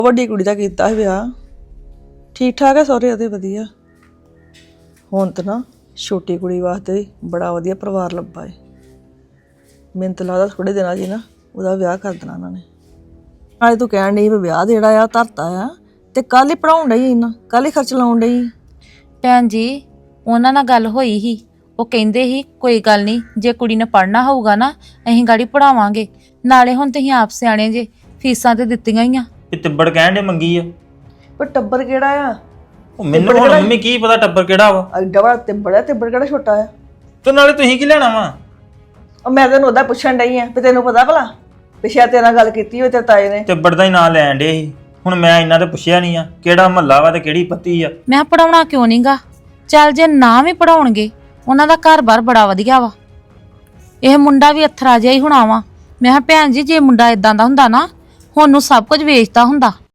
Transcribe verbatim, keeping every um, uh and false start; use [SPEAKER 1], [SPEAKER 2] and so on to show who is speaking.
[SPEAKER 1] ਵੱਡੀ ਕੁੜੀ ਦਾ ਕੀਤਾ ਸੀ ਵਿਆਹ, ਠੀਕ ਠਾਕ ਹੈ ਸਹੁਰੇ ਉਹਦੇ ਵਧੀਆ। ਹੁਣ ਤਾਂ ਨਾ ਛੋਟੀ ਕੁੜੀ ਵਾਸਤੇ ਵੀ ਬੜਾ ਵਧੀਆ ਪਰਿਵਾਰ ਲੱਭਾ ਹੈ। ਮੈਨੂੰ ਤਾਂ ਲੱਗਦਾ ਥੋੜੇ ਦਿਨਾਂ 'ਚ ਹੀ ਨਾ ਉਹਦਾ ਵਿਆਹ ਕਰ ਦੇਣਾ ਉਹਨਾਂ ਨੇ। ਨਾਲੇ ਤੂੰ ਕਹਿਣ ਡਈ ਵੀ ਵਿਆਹ ਜਿਹੜਾ ਆ ਧਰਤਾ ਆ, ਤੇ ਕੱਲ ਹੀ ਪੜਾਉਣ ਡਈ ਇਹਨਾਂ, ਕੱਲ ਹੀ ਖਰਚ ਲਾਉਣ ਡਈ।
[SPEAKER 2] ਭੈਣ ਜੀ ਉਹਨਾਂ ਨਾਲ ਗੱਲ ਹੋਈ ਸੀ, ਉਹ ਕਹਿੰਦੇ ਸੀ ਕੋਈ ਗੱਲ ਨਹੀਂ, ਜੇ ਕੁੜੀ ਨੇ ਪੜ੍ਹਨਾ ਹੋਊਗਾ ਨਾ ਅਸੀਂ ਗਾੜੀ ਪੜਾਵਾਂਗੇ। ਨਾਲੇ ਹੁਣ ਤੁਸੀਂ ਆਪ ਸਿਆਣੇ ਜੇ, ਫੀਸਾਂ ਤੇ ਦਿੱਤੀਆਂ ਹੀ ਆ।
[SPEAKER 3] ਇਹ ਤਿੱਬੜ ਕਹਿਣ ਦੇ ਮੰਗੀ ਆ।
[SPEAKER 1] ਪਰ ਟੱਬਰ ਕਿਹੜਾ ਆ?
[SPEAKER 3] ਉਹ ਮੈਨੂੰ ਹੁਣ ਮੰਮੀ ਕੀ ਪਤਾ ਟੱਬਰ ਕਿਹੜਾ ਵਾ।
[SPEAKER 1] ਐਡਾ ਬੜਾ ਤਿੱਬੜ ਆ, ਤਿੱਬੜ ਕਿਹੜਾ ਛੋਟਾ ਆ?
[SPEAKER 3] ਤੇ ਨਾਲੇ ਤੁਸੀਂ ਕੀ ਲੈਣਾ ਵਾ?
[SPEAKER 1] ਉਹ ਮੈਂ ਤੈਨੂੰ ਉਹਦਾ ਪੁੱਛਣ ਡਈ ਆ ਵੀ ਤੈਨੂੰ ਪਤਾ ਭਲਾ ਪਿਛਿਆ ਤੇਰੇ ਨਾਲ ਗੱਲ ਕੀਤੀ ਹੋਈ ਤੇਰੇ ਤਾਏ ਨੇ?
[SPEAKER 3] ਤਿੱਬੜ ਦਾ ਹੀ ਨਾਂ ਲੈਣ ਡੇ ਸੀ। ਹੁਣ ਮੈਂ ਇਹਨਾਂ ਤੇ ਪੁੱਛਿਆ ਨਹੀਂ ਆ ਕਿਹੜਾ ਮਹੱਲਾ ਵਾ ਤੇ ਕਿਹੜੀ ਪੱਤੀ ਆ।
[SPEAKER 2] ਮੈਂ ਪੜਾਉਣਾ ਕਿਉਂ ਨਹੀਂਗਾ? ਚੱਲ ਜੇ ਨਾ ਵੀ ਪੜਾਉਣਗੇ, ਉਹਨਾਂ ਦਾ ਘਰ-ਬਾਰ ਬੜਾ ਵਧੀਆ ਵਾ। ਇਹ ਮੁੰਡਾ ਵੀ ਅਥਰਾ ਜਿਹਾ ਹੀ ਹੋਣਾ ਵਾ। ਮੈਂ ਕਿਹਾ ਭੈਣ ਜੀ ਜੇ ਮੁੰਡਾ ਇਦਾਂ ਦਾ ਹੁੰਦਾ ਨਾ ਹੁਣ ਨੂੰ ਸਭ ਕੁਝ ਵੇਚਦਾ ਹੁੰਦਾ।